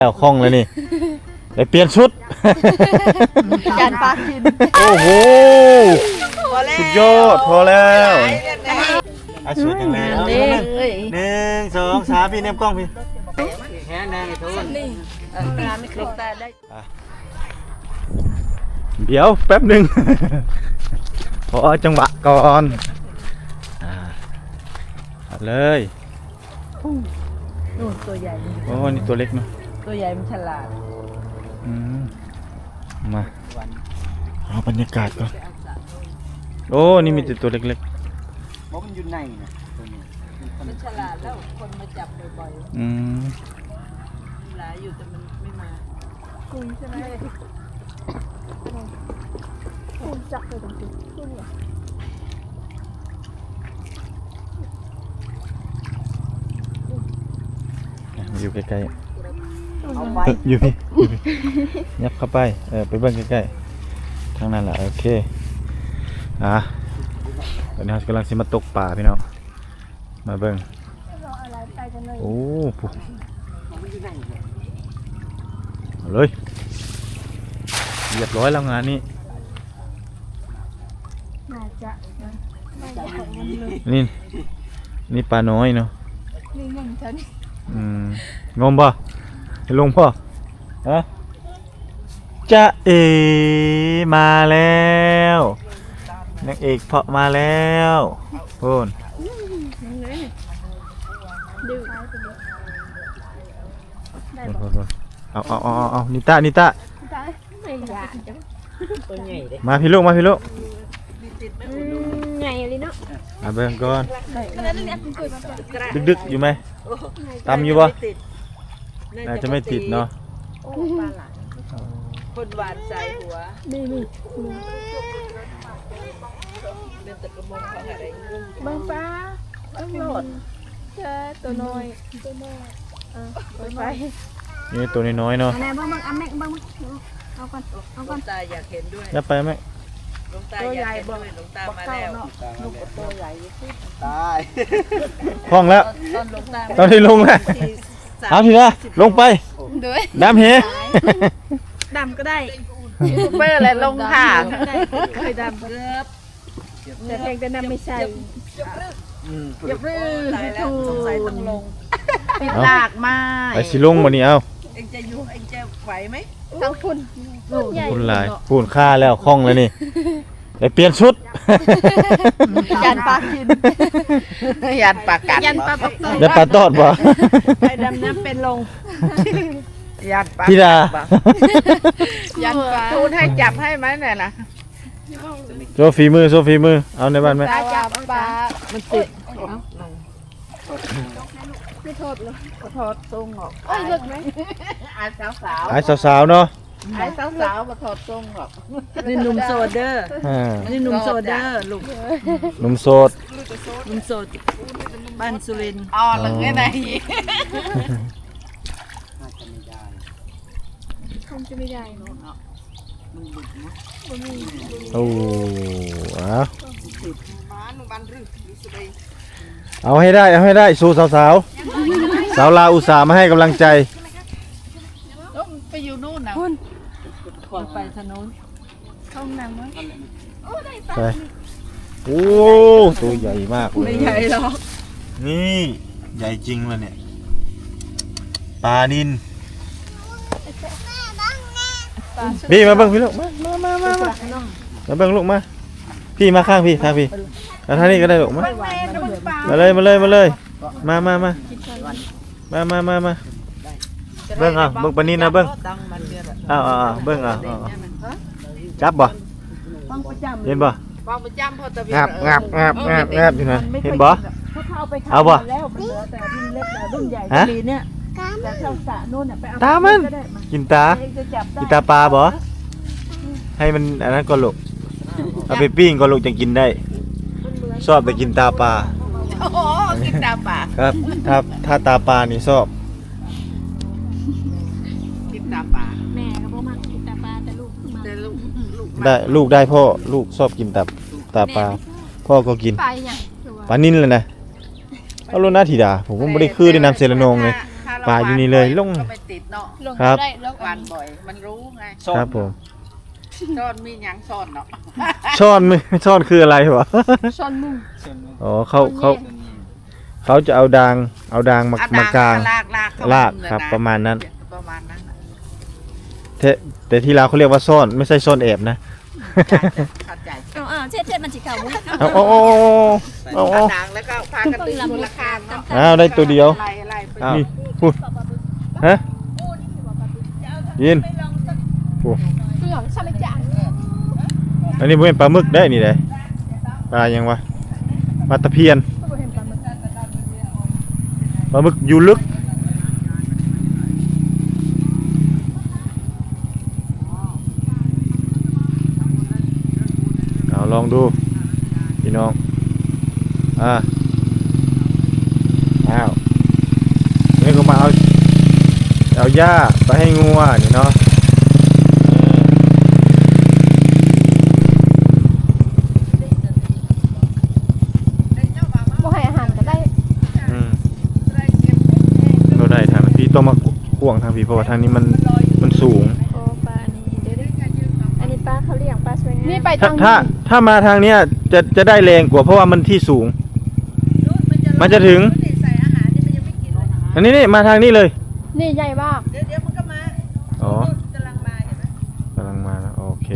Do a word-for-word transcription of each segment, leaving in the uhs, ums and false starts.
แล้วคล่องเลยนี่ได้เปลี่ยนชุดการปากกินโอ้โหสุดยอดพอแล้วอาชีพยังไงหนึ่งสองสามพี่เนมกล้องพี่แค่ไหนทุนเดี๋ยวแป๊บหนึ่งพอจังหวะก่อนเลยนู่นตัวใหญ่โอ้นี่ตัวเล็กเนาะตัวใหญ่มันฉลาดมาเอาบรรยากาศก่อนโอ้นี่มีแต่ตัวเล็กๆเพราะมันอยู่ในนะตัวนี้มันฉลาดแล้วคนมาจับบ่อยๆอืมหลายอยู่แต่มันไม่มาคุยใช่ไหมคุยจับเลยตรงนี้คุยเหรออยู่ใกล้ๆอยู่พี่ยับเข้าไปเออไปเบิ้งใกล้ๆทางนั้นแหละโอเคอ่ะตอนนี้เรากำลังสิมาตกป่าพี่น้องมาเบิ้งโอ้ปุ๊บเลยเรียบร้อยแล้วงานนี้นี่นี่ปลาน้อยเนาะนี่งงฉันอืมงมป่ะลงป่ะฮะจะเอมาแล้วนางเอกเพาะมาแล้วพูนเอาเอาเอาเอานิต้านิต้ามาพี่ลูกมาพี่ลูกไงลิเนาะมาเบิ่งก่อนดึกๆอยู่ไหมตำอยู่ป่ะน่าจะไม่ติดเนาะคนหวานใส่หัวนี่นี่เดินตะกระมงเขาอะไรบางป้าต้องโหลดเจอตัวน้อยตัวน้อยอ่ะไปนี่ตัวน้อยๆเนาะแม่บ้างบ้างอ่ะแม่บ้างเอาก่อนเอาก่อนตาอยากเห็นด้วยยับไปไหมลงตาอยากเห็นด้วยลงตามาแล้วลูกตัวใหญ่ตายคล่องแล้วตอนลงตาตอนที่ลงแล้วเอาทีละลงไปดำเหดำก็ได้เบอร์อะไรลงค่ะเคยดำเกือบแต่เพลงแต่น้ำไม่ใช่อย่าเพิ่งถูกสงสัยต้องลงปิดหลากมาไปสิลงวันนี้เอาเอ็งจะยุ่งเอ็งจะไหวไหมทั้งคุณคุณลายพูนค่าแล้วคล่องแล้วนี่ได้เปลี่ยนชุดยันปลากินยันปลากัดยันปลาตอดยันปลาตอดบ่ไปดำน้ำเป็นลงยันปลาพี่ดายันปลาทูนให้จับให้ไหมเนี่ยนะโซฟีมือโซฟีมือเอาในบ้านไหมจับปลามันติดไม่โทษเลยโทษทรงหรอกไอ้เลิกไหมไอ้สาวสาวไอ้สาวๆเนาะไอ้สาวสาวมาถอดทรงหรอกนี่หนุ่มโซเดอร์นี่หนุ่มโซเดอร์ลูกหนุ่มโสดหนุ่มโสดบ้านสุรินทร์อ๋อหลังไงไหนคงจะไม่ได้เนาะโอ้เอาเอาให้ได้เอาให้ได้สู้สาวสาวสาวลาอุตส่าห์มาให้กำลังใจไปอยู่นู่นนะขนไปถนนเข้าน้ำมั้ยไปโอ้ตัวใหญ่มากเลยไม่ใหญ่หรอกนี่ใหญ่จริงเลยเนี่ยปลานิลพี่มาเบิ้งพี่ลูกมามามามามาเบิ้งลูกมาพี่มาข้างพี่ข้างพี่แล้วท่านี้ก็ได้ลูกมามาเลยมาเลยมาเลยมามามามามามามาเบิ้งอ่ะเบิ้งปลานิลนะเบิ้งอ้าวอ้าวเบิ้งอ่ะจับบ่เห็นบ่งับงับงับงับงับอยู่นะเห็นบ่เอาบ่ฮะตามันกินตากินตาปลาบ่ให้มันอันนั้นก็ลูกเอาไปปิ้งก็ลูกจะกินได้ชอบแต่กินตาปลาโอ้โหกินตาปลาครับถ้าถ้าตาปลานี่ชอบกินตาปลาแม่ก็บอกมากินตาปลาแต่ลูกแต่ลูกได้ลูกได้พ่อลูกชอบกินตาตาปลาพ่อก็กินปลานิลเลยนะเอาโลน่าธิดาผมก็ไม่ได้คือได้นำเซรานงเลยปลาอยู่นี่เลยลงก็ไปติดเนาะลงครับได้แล้วหวานบ่อยมันรู้ไงครับผมซ่อนมีหยังซ่อนเนาะช้อนไม่ช้อนคืออะไรวะช้อนมุ้งอ๋อเขาเขาเขาจะเอาดางเอาดางมาเอมากลางลากลากเข้ลากมุมครับเลยนประมาณนั้นประมาณนั้นน่ะแต่แต่ที่ลาวเขาเรียกว่าซ่อนไม่ใช่ซ่อนแอบนะเข้าใจเอาเอาเช็ดเช็ดมันสิเก่ามุ้งเอาเอาเอาเอาเอาเอาดังแล้วก็พากันดึงมูลค่าเนาะอ้าวได้ตัวเดียวไล่ไล่ไปอ้าวพูดฮะยินพูดเปลือกชาลิจานอันนี้เป็นปลาหมึกได้นี่เลยปลายังวะปลาตะเพียนปลาหมึกอยู่ลึกเอาลองดูพี่น้องอ่าอ้าวนี่ก็มาเอาเอาหญ้าไปให้งัวนี่เนาะบ่ให้อาหารก็ได้อืมเราได้ทางพี่ต้องมาข่วงทางพี่เพราะว่าทางนี้มันมันสูงโอ้ปลานี่เดี๋ยวอันนี้ปลาเขาเลี้ยงปลาสวยงามนี่ไปถ้าทางถ้าถ้ามาทางเนี้ยจะจะได้แรงกว่าเพราะว่ามันที่สูง มันจะถึงอันนี้นี่มาทางนี้เลยนี่ใหญ่มากเดี๋ยวเดี๋ยวมันก็มาอ๋อกำลังมาเห็นไหมกำลังมาแล้วโอเค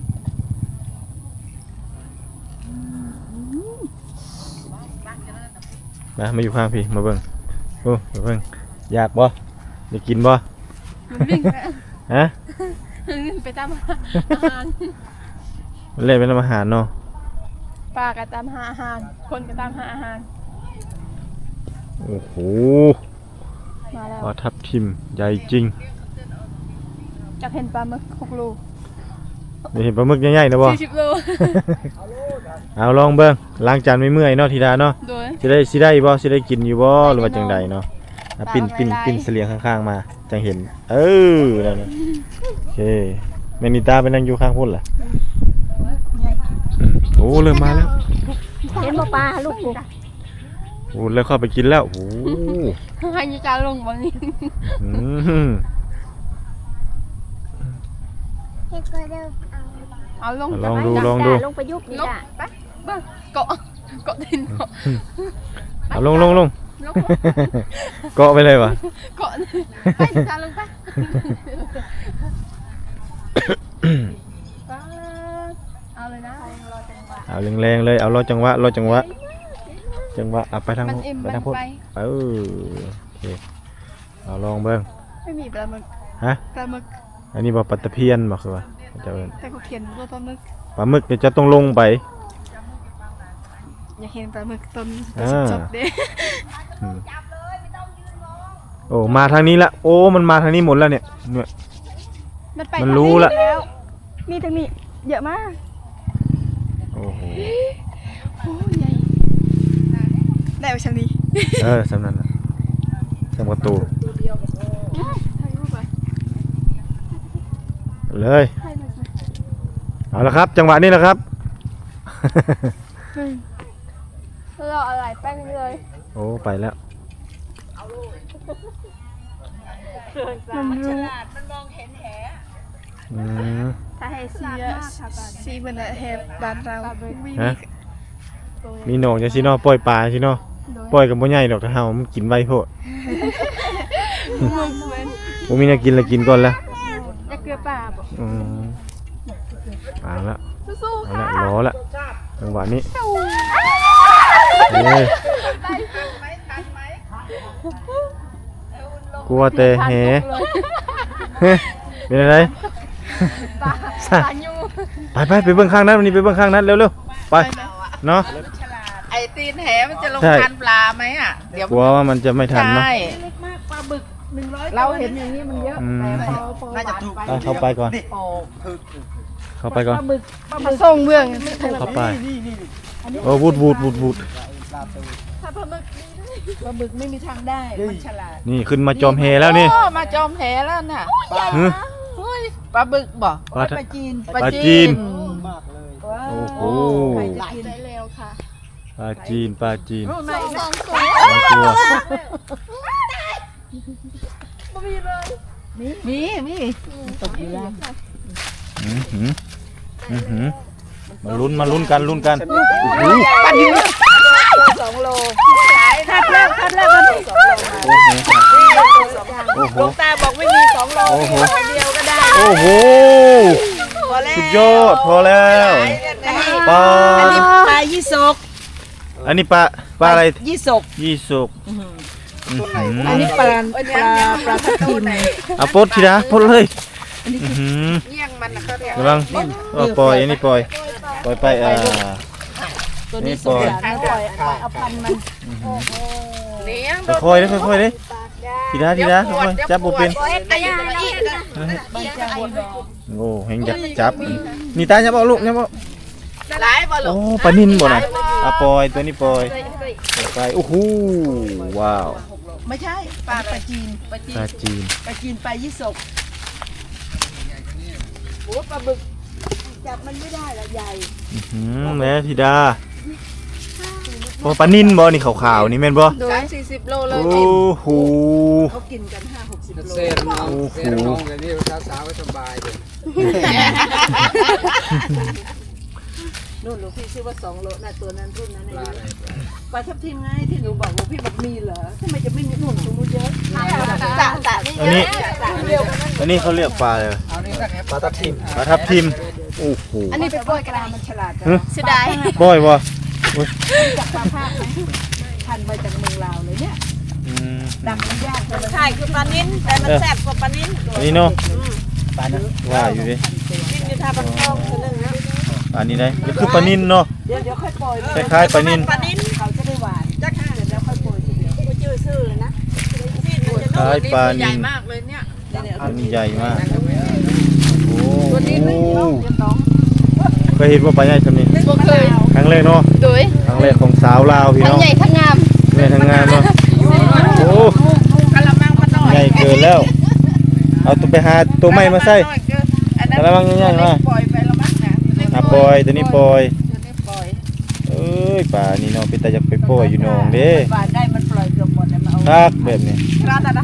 มามาอยู่ข้างพี่มาเบิ่งโอ้มาเบิ่งอยากบ่อยากกินบ่มันวิ่งไปฮะไปตามหาอาหารมันเล่นเป็นอาหารเนาะปลาก็ตามหาอาหาร คนก็ตามหาอาหารโอ้โหมาแล้วปลาทับทิมใหญ่จริงจะเห็นปลาหมึกหกโลได้เห็นปลาหมึกใหญ่ๆนะบ่สี่สิบโลเอาลองเบิ่งล้างจานไม่เมื่อยเนาะทีดาเนาะโดยสิได้สิได้บ่สิได้กินอยู่บ่หรือว่าจังใดเนาะอ่ะปิ้นตามปิ้นไว้ไล่ปิ้นเสลียงข้างๆมาจังเห็น เออนั่นน่ะโอเคแม่นิตาไปนั่งอยู่ข้างพุ่นล่ะอืมโอ้เริ่มมาแล้วเห็นบ่ปลาลูกกูโอ้เริ่มเข้าไปกินแล้วโอ้ให้ยาจาลงบางนี้อืมเอาลงลองดูลองดูลงไปยุบนี่จ้ะไปเบิ่งเกาะเกาะดินเกาะเอาลงลงลงลงเกาะไปเลยวะเกาะไปจาลงไปเอาเลยนะเอาแรงๆเลยเอารอจังหวะรอจังหวะจังหวะเอาไปทางมันนู้นอิ่มไปมันทางพุ่นไปเออโอเคเอาลองเบิ่งไม่มีปลาหมึกฮะปลาหมึกอันนี้บ่ปลาตะเพียนบ่คือว่าเจะเอิ้นแต่เขาเขียนว่าปลาหมึกปลาหมึกเนี่ยจะต้องลงไปอยากเห็นปลาหมึกต้นอ่าสดๆเด้อืมโอ้มาทางนี้ละโอ้มันมาทางนี้หมดแล้วเนี่ยเนี่ยมันไปมันรู้ละแล้วมีทางนี้เยอะมากโอ้โหโอ้ใหญ่ได้ไปชังนี้เออสำนั้นน่ะสำประตูถ่ายรูปไปเลยถ่ายมาสิเอาละครับ จังหวะนี้แหละครับเราเอาหลายแป้งเลยโอ้ไปแล้วมันรู้อืมถ้าให้ซีอะซีเหมือนแฮบบ้านเราไม่ฮะมีมีหนองจังซี่เนาะปล่อยปลาสิเนาะปล่อยกับบ่ใหญ่ดอกถ้าเฮามันกินไวโพดมึงเหมือนบ่มีแนวกินแล้วกินก่อนละจะเกลือป่าบ่อืมเอาละสู้เอาละรอละจังหวะนี้เอ้ยกลัวแต่แหเฮ้ยเป็นอะไรปลาปลายูไปไปไปเบื้องข้างนั้นวันนี้ไปเบื้องข้างนั้นเร็วๆไปเนาะไอ้ตีนแหมันจะลงใช่ทานปลาไหมอ่ะเดี๋ยวกลัวว่ามันจะไม่ทันเนาะใช่เล็กมากปลาบึกหนึ่งร้อยเราเห็นอย่างนี้มันเยอะอืมแต่พอพอน่าจะถูกไปเข้าไปก่อนโอ้เข้าไปก่อนปลาส่งเมืองเข้าไปโอ้วูดวูดวูดวูดถ้าปลาหมึกปลาบึกไม่มีทางได้มันฉลาดนี่ขึ้นมาจอมเฮแล้วนี่โอ้มาจอมแหแล้วน่ะฮึเฮ้ยปลาบึกบ่ปลาปลาจีนปลาจีนมากเลยว้าวโอ้โหใครจะกินได้เร็วค่ะปลาจีนปลาจีนโอ้ไหนสองตัวสองตัวมีมีตกอยู่แล้วอื้อหืออื้อหือมาลุ้นมาลุ้นกันลุ้นกันสองโลคัดแล้วคัดแล้วมันสองโลมาโอ้โหโอ้โหหลวงตาบอกไม่มีสองโลโอ้โหมีคนเดียวก็ได้โอ้โหพอแล้วสุดยอดพอแล้วปลาอันนี้ปลายี่สกอันนี้ปลาปลาอะไรยี่สกยี่สุกอื้อหืออันนี้ปลาปลาปลาทับทิมเอาปลดทีนะปลดเลยอื้อหือเยี่ยงมันนะเขาเรียกกำลังเอาปล่อยอันนี้ปล่อยปล่อยไปอ่าตัวนี้สงสารนะปล่อยปล่อยเอาพันมันเลี้ยงค่อยๆเลยค่อยๆเลยทีนะทีนะค่อยๆจับบุเป็นแต่ยังอีกโอ้เฮงจับจับนี่ตาจับเอาลูกจับเอาหลายบ่ลูโอ้กปลานินบ่นะอ่ะปล่อยตัวนี้ปล่อยปล่อยไปโอ้โหว้าวไม่ใช่ปลาปลาจีนปลาจีปลาน จีนปลาจีนปลายี่สกโอ้ปลาบึกจับมันไม่ได้ละใหญ่อื้อหือแม่ธิดาโอ้ปลานินบ่นี่ขาวๆนี่แม่นบ่สามสี่สิบโลเลยโอ้โหเขากินกันห้าหกสิบโลเซ่น้องเซ่น้องอย่างนี้สาวๆก็สบายเลยนู่นหลวงพี่ชื่อว่าสองโลน่ะตัวนั้นรุ่นนั้นอายุปลาทับทิมไงที่หนูบอกหลวงพี่บอกมีเหรอทำไมจะไม่มีหนุ่มตรงนู้นเยอะจ่าจ่านี่อันนี้เดียวกันอันนี้เขาเรียกปลาอะไรเอานี่สักแอบปลาทับทิมปลาทับทิมโอ้โหอันนี้เป็นปล่อยกระดาษมันฉลาดจังเสียดายปล่อยบ่จากปลาภาคไหมพันมาจากเมืองลาวเลยเนี่ยอืมดังมันยากเลยใช่คือปลานิ้นแต่มันแซ่บกว่าปลานิ้นอันนี้เนาะปลาเนื้อว่าอยู่ดิกินอยู่ท่าบันทองคนนึงนะอันนี้ได้นี่คือปลานินเนาะเดี๋ยวเดี๋ยวค่อยปล่อยคล้ายๆปลานินปลานิ้นเขาจะได้หวานจักเดี๋ยวแล้วค่อยปล่อยทีเดียวชื่อซื่อเลยนะนี่มันจะคล้ายปลานินใหญ่มากเลยเนี่ยอันนี้ใหญ่มากโอ้ตัวนี้ไม่เยอะเดี๋ยวต้องเคยเห็นว่าปลาใหญ่ทำนี่บ่เคยครั้งแรกเนาะโดยครั้งแรกของสาวลาวพี่ทั้งน้องใหญ่ทั้งงามใหญ่ทั้งงานเนาะโอ้กะละมังมาหน่อยใหญ่เกินแล้ว เอาตัวไปหาตัวใหม่มาใส่อันนั้นกะละมังใหญ่ๆมาปล่อยไปแล้วมั้งนะอ่ะปล่อยตัวนี้ปล่อยตัวนี้ปล่อยเอ้ยปลานี่เนาะเป็นตาอยากไปปล่อยอยู่หนองเด้หวานได้มันปล่อยเกือบหมดเลยมาเอาทักแบบนี้ร้านอะไรนะ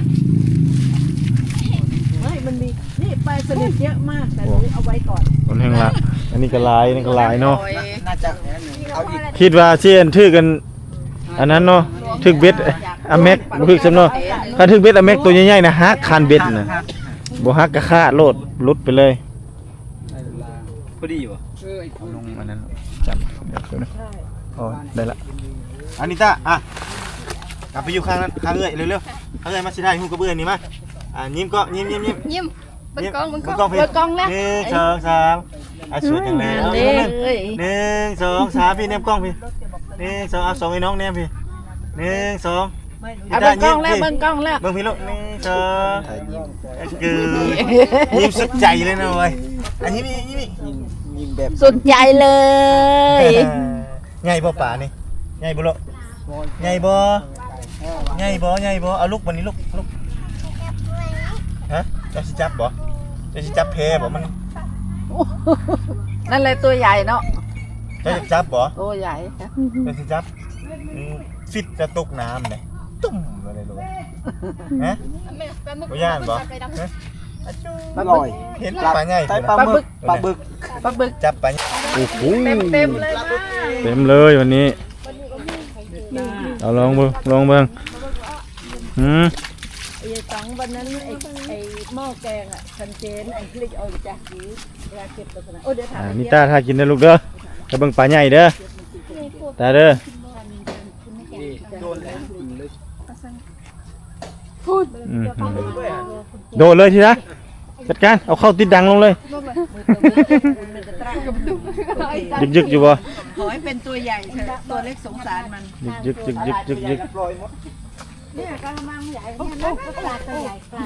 ไม่มันมีนี่ปลาสลิดเยอะมากแต่หนูเอาไว้ก่อนคนแห่งละอันนี้ก็หลายอันนี่ก็หลายเนาะน่าจะเอาอีกคิดว่าเชียนถือกัน อันนั้นเนาะถึกเบ็ดอะเม็กบ่ถึกซำเนาะถ้าถึกเบ็ดอะเม็กตัวใหญ่ๆนะฮักคันเบ็ดน่ะบ่ฮักก็ฆ่าโลดหลุดไปเลยพอดีวะเออเอาลงอันนั้นจับเดี๋ยวนะอ๋อได้ละอานิตาอ่ะกลับไปอยู่ข้างนั้นข้างเอื้อยเร็วๆข้างเอื้อยมาสิได้ฮู้กับเอื้อยนี่มาอ่ะยิ้มก็ยิ้มยิ้มยิ้มยิ้มเบังกล้องเบังกเบิ่ล้องงกล้องพี่เบังกล้องแล้วหนึ่งสองสามอ่ะสวยจังเลยเอาเด้หนึ่งเอ้ยหนึ่งสองสามพี่แนมกล้องพี่หนึ่งสองเอาสองไอ้น้องแนมพี่หนึ่งสองเอาเบังกล้องแล้วเบังกล้องแล้วเบิ่งพี่ลูกหนึ่งสองถ่ายยิ้มคือยิ้มสุดใจเลยนะเว้ยอันนี้นี่ยิ้มนี่ยิ้มยิ้มแบบสุดใจเลยใหญ่บ่ป่านี่ใหญ่บ่ลูกใหญ่บ่ใหญ่บ่ใหญ่บ่เอาลูกวันนี้ลูกลูกฮะเจะสิจับบ่เจะสิจับแพบ่มันนั่นเลยตัวใหญ่เนาะเจะจะจับบ่ตัวใหญ่เจะสิจับอืมฟิตจะตกน้ำเนี่ยตุ่มอะไรลูกฮะบ่ย่านบ่ฮะอร่อยเห็นปลาใหญ่ใส่ปลาบึกปลาบึกปลาบึกจับปลาโอ้โหเต็มเต็มเลยนะเต็มเลยวันนี้เอาลองเบิ่งลองเบิ่งหืมไอ้สองวันนั้นไอ้ไอ้หม้อแกงอ่ะคันเจนไอ้พลิกเอาจากสีเวลาเก็บตัวนั้นโอ้เดี๋ยวถามอ่านี่ตาถ้ากินได้อลูกเด้อจะเบิ่งปลาใหญ่เด้อตาเด้อโดนแล้วลึกอืมโดดเลยทีนะจัดการเอาเข้าติดดังลงเลยยึกยึกๆอยู่บ่ขอให้เป็นตัวใหญ่เถอะตัวเล็กสงสารมันยึกยึกยึกยึกยึกยึกปล่อยหมดเนี่ยกระมังใหญ่เนี่ยนะปลาตัวใหญ่ปลา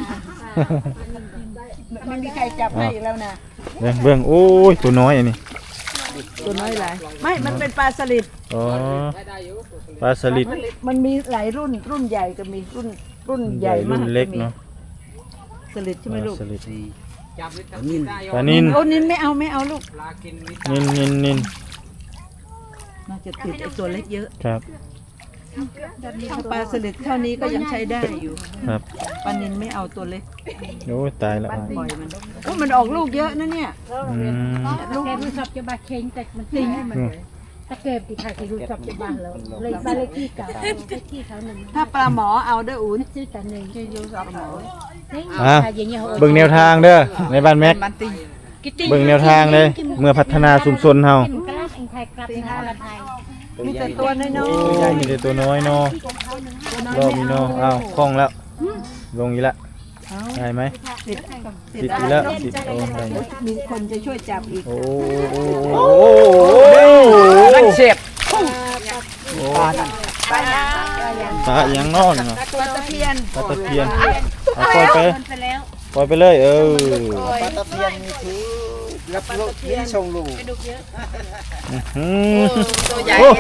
ไม่มีใครจับให้อีกแล้วนะเบิ่งเบิ่งโอ้ยตัวน้อยอันนี้ตัวน้อยหลายไม่ มันเป็นปลาสลิดอ๋อปลาสลิดมันมีหลายรุ่นรุ่นใหญ่ก็มีรุ่นรุ่นใหญ่รุ่มากนเล็กเนาะสลิดใช่ไหมลูกปลาสลิดนิ่มปลานินโอ้นินไม่เอาไม่เอาลูกนินนินนินน่าจะติดไอตัวเล็กเยอะครับทางปลาสลิดเท่านี้ก็ยังใช้ได้อยู่ครับปลานินไม่เอาตัวเล็กโอ้ยตายแล้วปล่อยมันโอ้มันออกลูกเยอะนะเนี่ยอืมลูกรู้สับจะบาเค็งแต่มันทิ้งให้มันเลยถ้าเก็บที่ใครที่รู้สับจะบาแล้วเลยบ้านเลขที่เก่าเลขที่เขาหนึ่งถ้าปลาหมอเอาเด้ออุ่นชื่อแต่หนึ่งชื่อยูสับหมออ่ะอย่างเงี้ยเบิ่งแนวทางเด้อในบ้านแม็กมันติงเบิ่งแนวทางเลยเมื่อพัฒนาชุมชนเฮากระลักเองไทยกลับในฮอลไทยมีแต่ตัวน้อยโอ้ยมีแต่ตัวน้อยเนาะรอบนี้เนาะอ้าวคล่องแล้ว ลงอีกละได้ไหมๆติดติดอีกแล้วติดโอ้ได้อยู่มีคนจะช่วยจับอีกโอ้โอ้โอ้โอ้นั่นเสียบปลาปลาอย่างนอนเนาะปลาตะเพียนปลาตะเพียนเอาปล่อยไปปล่อยไปเลยเออปลาตะเพียนมีถือรับลูกที่ชงลูกอืมโอ้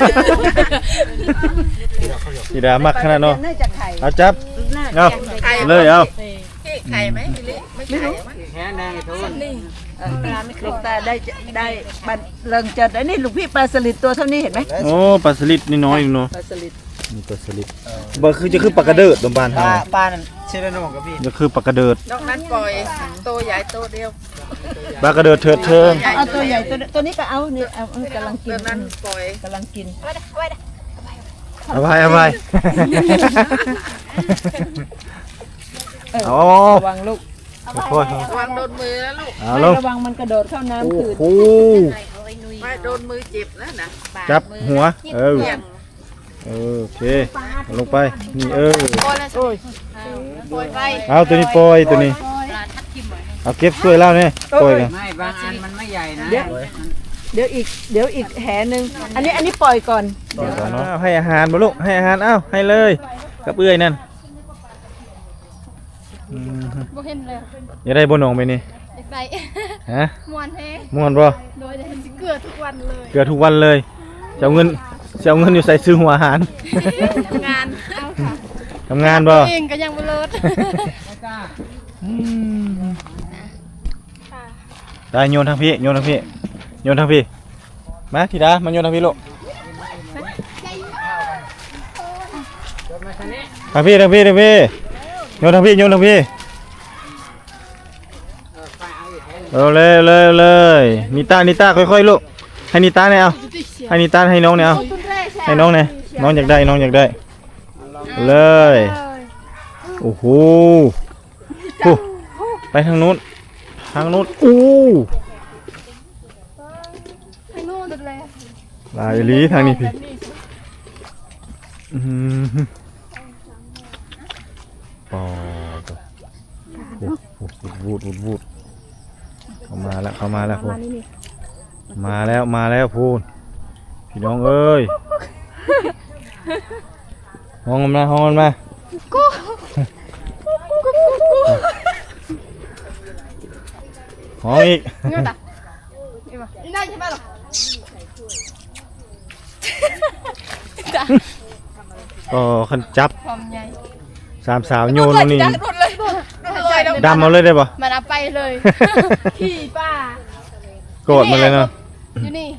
สีดามักขนาดเนาะน่าจะไข่เอาจับเอาเลยเอาไข่ไหมไม่รู้แค่นางทุนลูกตาได้จะได้บันเริงจัดอันนี้ลูกพี่ปลาสลิดตัวเท่านี้เห็นไหมโอ้ปลาสลิดนี่น้อยอยู่เนาะปลาสลิดนี่ปลาสลิดบ่คือจะคือปลากระเดิดตรงบ้านปเฮาลาปลานั่นเชลโนกับพี่จะคือปลากระเดิดนอกนั้นปล่อยโตใหญ่โตเดียวปลากระเดิดเถิดเทิงเอาตัวใหญ่ตัวตัวนี้ก็เอาเนี่ยเอาเอากำลังกิตัวน นั้นปล่อยกำลังกินเอาไปเอาไปเอาระวังลูกค่อยระวังโดนมือนะลูกๆเอาไม่ลงระวังมันกระโดดเข้าน้ำโอ้คืนโหไม่โดนมือเจ็บนะนะจับหัวเออเสี่ยงเออโอเคเอาลงไปนี่เออปล่อยไปเอาตัวนี้ปล่อยตัวนี้เอาเก็บช่วยเล่าเนี่ยปล่อยกันไม่บางอันมันไม่ใหญ่นะเดี๋ยวเดี๋ยวอีกเดี๋ยวอีกแหนึงอันนี้อันนี้ปล่อยก่อนปล่อยก่อนเนาะให้อาหารบ่ลูกให้อาหารเอ้าให้เลยกับเอื้อยนั่นอืมบ่เห็นเลยอย่าได้บ่หนองไปนี่ไปฮะมวนแท้ม่วนบ่โดยจะเกลือทุกวันเลยเกือบทุกวันเลยจะเอาเงินจะเอาเงินอยู่ใส่ซื้อหัวอาหารทำงานเอาค่ะทำงานบ่เองก็ยังบ่เลิศอืมได้โยนทางพี่โยนทางพี่โยนทางพี่มาธิดามาโยนทางพี่ลูกทางพี่ทางพี่ทางพี่โยนทางพี่โยนทางพี่เอาเลยเลยเลยนิต้านิต้าค่อยๆลูกให้นิต้าเนี่ยเอาให้นิต้าให้น้องเนี่ยเอาให้น้องเนี่ยน้องอยากได้น้องอยากได้เลยโอ้โหโอ้ไปทางนู้นทางนู้นอู้ให้นู่นเลยลายลีทางนี้พี่อืมปอดโอ้โหวูดวูดวูดเข้ามาแล้วเข้ามาแล้วพูนมาแล้วมาแล้วพูนพี่น้องเอ้ยห้องมันมาห้องมันมาห้องอีกนี่ได้ใช่ป่ะหรอก็ขันจับความใหญ่สามสาวโยนตรงนี้หมดเลยหมดเลยดำเอาเลยได้ปะมันเอาไปเลยขี่ป้าโกรธมันเลยเนาะอยู่นี่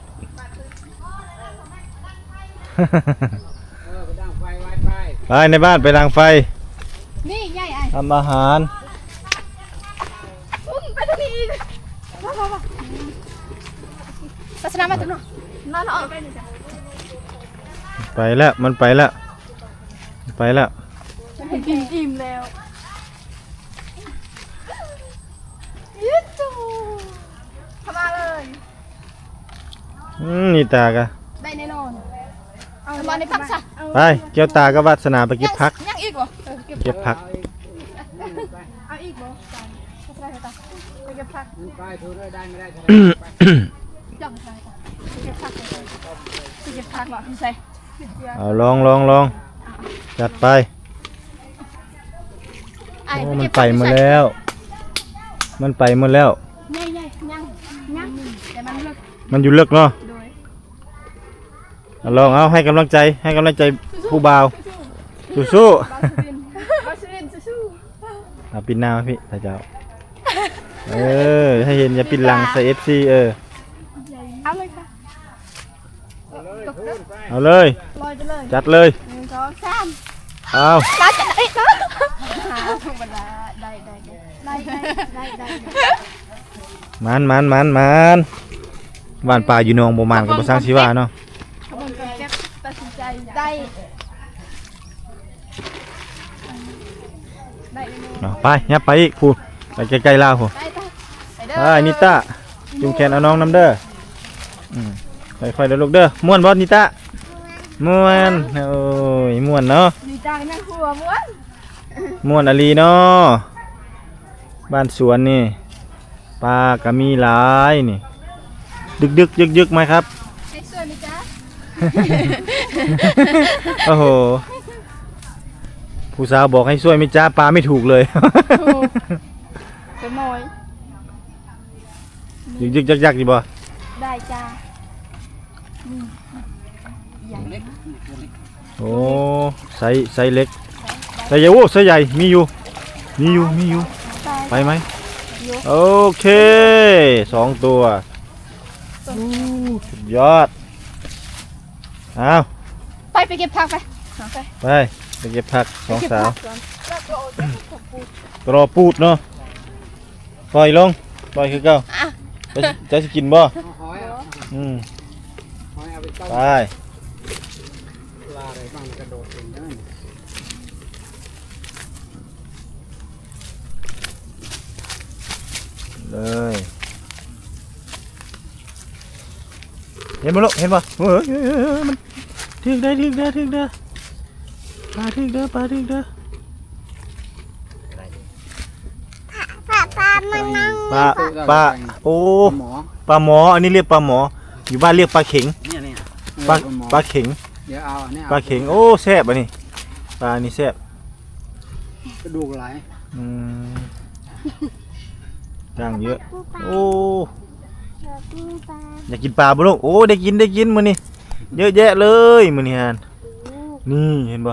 ไปในบ้านไปดังไฟนี่ใหญ่ไอ้ทำอาหารอุ้มไปทางนี้อีกมามามาศาสนามาตรงนู้นนั่นออกไปนี่จ้ะไปแล้วมันไปแล้วไปแล้วฉันกินอิ่มแล้วยึดจูทำมาเลยอืมนี่ตากะได้แน่นอนเอาบอลในพักซะไปเกี่ยวตากับวัสนาไปเก็บพักยังอีกเหรอเออเก็บเก็บพักเอาอีกเหรอจานก็ได้ค่ะไปเก็บผักไปถูได้ได้ไม่ได้จังใช่ไปเก็บผักไปเก็บผักเหรอพี่ใส่เอาลองลองลองจัดไปไอ้โอ้มันไปหมดแล้ว มันไปหมดแล้วใหญ่ใหญ่ยังยังแต่มันเลิกมันอยู่เลิกเนาะโดยเอาลองเอาให้กำลังใจให้กำลังใจผู้บ่าวสู้บาสลินบาสลินสู้ๆเอาปินหน้ามาพี่ถ้าเจ้าเออให้เห็นอย่าปินหลังใส่เอฟซีเออเอาเลยค่ะเอาเลยลอยไปเลยจัดเลยหนึ่งสองสามเอามาจัดเอ้ยหาธรรมดาได้ได้ได้ได้ได้ได้ได้มันมันมันมันบ้านป่าอยู่หนองบ่มานกับบ่สร้างชีวาเนาะขบวนการแก้ตัดสินใจได้ได้เลยเอาไปยับไปอีกผู้ไปใกล้ๆลาวผู้ได้ไปไปเด้ไปนิต้าจุงแขนเอาน้องน้ำเด้ออืมค่อยๆเด้อลูกเด้อม่วนบ่นิต้าม่วนโอ้ยม่วนเนาะดีใจนั่งหัวม้วนม่วนอลีเนาะบ้านสวนนี่ปลาก็มีหลายนี่ดึกดึกยึกยึกๆไหมครับให้ช่วยไหมจ๊ะโอ้โหผู้สาวบอกให้ช่วยไม่จ้าปลาไม่ถูกเลยถูกเป็นหน่อยยึกยึกยักยักดีบ่ได้จ้าโอ้ไซส์ไซส์เล็กไซส์ใหญ่โอ้ไซส์ใหญ่มีอยู่มีอยู่มีอยู่ไปไหมโอเคสองตัวอู้สุดยอดเอาไปไปเก็บผักไปไปไปไปเก็บผักสองสาวเก็บผักก่อนแล้วก็เอาไปเก็บผักปูกรอปูดเนาะปล่อยลงปล่อยคือเก่าจะจะสิกินบ่หอยอ่ะอืมหอยเอาไปต้มไปปลาอะไรบ้างกระโดดเองได้เลยเห็นบ่ลูกเห็นบ่เฮ้ยเฮ้ยเฮ้ยเฮ้ยมันถึกได้ถึกได้ถึกได้ปลาถึกได้ปลาถึกได้ปลาปลาโอ้หมอปลาหมออันนี้เรียกปลาหมออยู่บ้านเรียกปลาเข็งเนี่ยเนี่ยปลาหมอปลาเข็งเดี๋ยวเอาอันนี้ปลาเข็งโอ้แซ่บอ่ะนี่ปลานี่แซ่บกระดูกไหลอืมย่างเยอะโอ้อยากกินปลาบ่ลูกโอ้ได้กินได้กินมื้อนี้เยอะแยะเลยมื้อนี้ฮานนี่เห็นบ่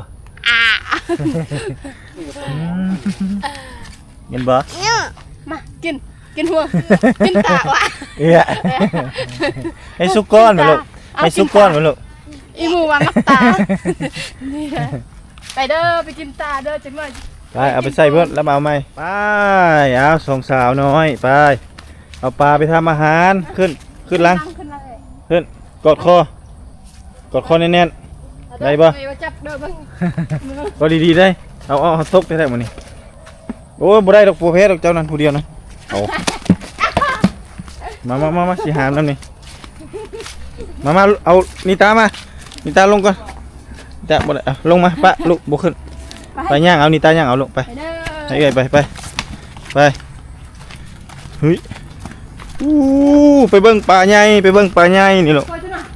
อืมเห็นบ่มากินกินหัวกินตาวะเอ้ยให้สุกก้อนมาลูกให้สุกก้อนมาลูกอีหมูวางกับตานี่แหละไปเด้อไปกินตาเด้อจังหน่อยไปเอาไปใส่เพิ่นแล้วมาเอาใหม่ไปเอาสองสาวน้อยไปเอาปลาไปทำอาหารขึ้นขึ้นหลังขึ้นเลยขึ้นกดคอกดคอแน่นๆได้บ่ไปว่าจับเด้อเบิ่งก็ดีๆได้เอาเอาเอาตกได้ได้มื้อนี้โอ้ยบ่ได้ดอกโปรเพสดอกเจ้านั้นผู้เดียวนะเอามามามามาสิหามแล้วนี่มามาเอานิตามานิตาลงก่อนนิตาบ่ได้เอาลงมาปะลูกบ่ขึ้นไปย่างเอานิตาย่างเอาลูกไปไปเด้อไปเอ้ยไปไปไปเฮ้ยอู้ไปเบิ่งปลาใหญ่ไปเบิ่งปลาใหญ่นี่ลูกคอยจังหน่อย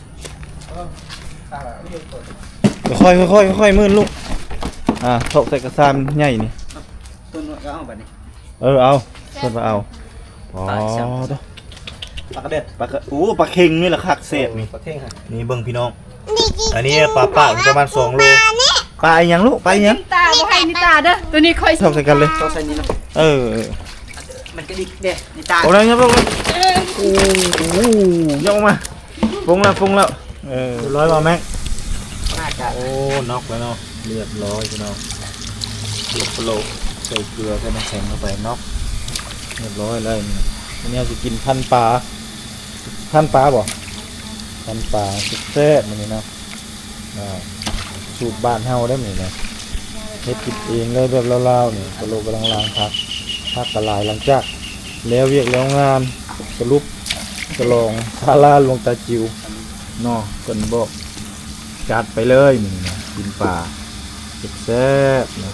ค่อยๆค่อยๆค่อยๆมืนลูกอ่าถกใส่กระซามใหญ่นี่ต้นก็เอาแบบนี้เออเอาเพิ่นมาเอาอ๋อตัวปลากระเด็ดปลากระอู้ปลาเค็งนี่แหละคักเศษนี่ประเทศค่ะนี่เบิ่งพี่น้องอันนี้ปลาปากประมาณสองโลปลาอีหยังลูกปลาอีหยังตาบ่ให้นี่ตาเด้อตัวนี้คอยถกใส่กันเลยต้องใส่นี้เนาะเออเออมันจะดิเด็ดในตาโอ้ยยับลงเลยโอ้โหยกมาฟงแล้วฟงแล้วเออร้อยมาแม็กน่าจะโอ้น็อกแล้วเนาะเรียบร้อยพี่น้องหลบโลกใส่เกลือใส่น้ำแข็งเข้าไปน็อกเรียบร้อยเลยอันนี้จะกินพันปลาพันปลาบ่พันปลาแซ่บๆมันนี่เนาะอ่าสูตรบ้านเฮาได้ไหมเนี่ยเฮ็ดกินเองเลยแบบเล่าๆนี่กะโหลกกำลังล้างพักพักกระลายหลังจากแล้วเวียกแล้วงานสรุปกระลองซาลาลงตาจิวเนาะเพิ่นบอกจัดไปเลยนี่นะกินปลาแซ่บๆนะ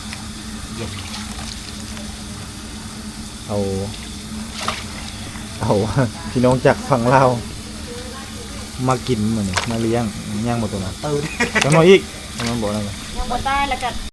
เอาเอา พี่น้องจากฝั่งลาวมากินมื้อนี้มาเลี้ยงย่างบ่ตัวนั้นเออจังหน่อยอีกมันบอกนั่นยังบ่ตายแล้วก็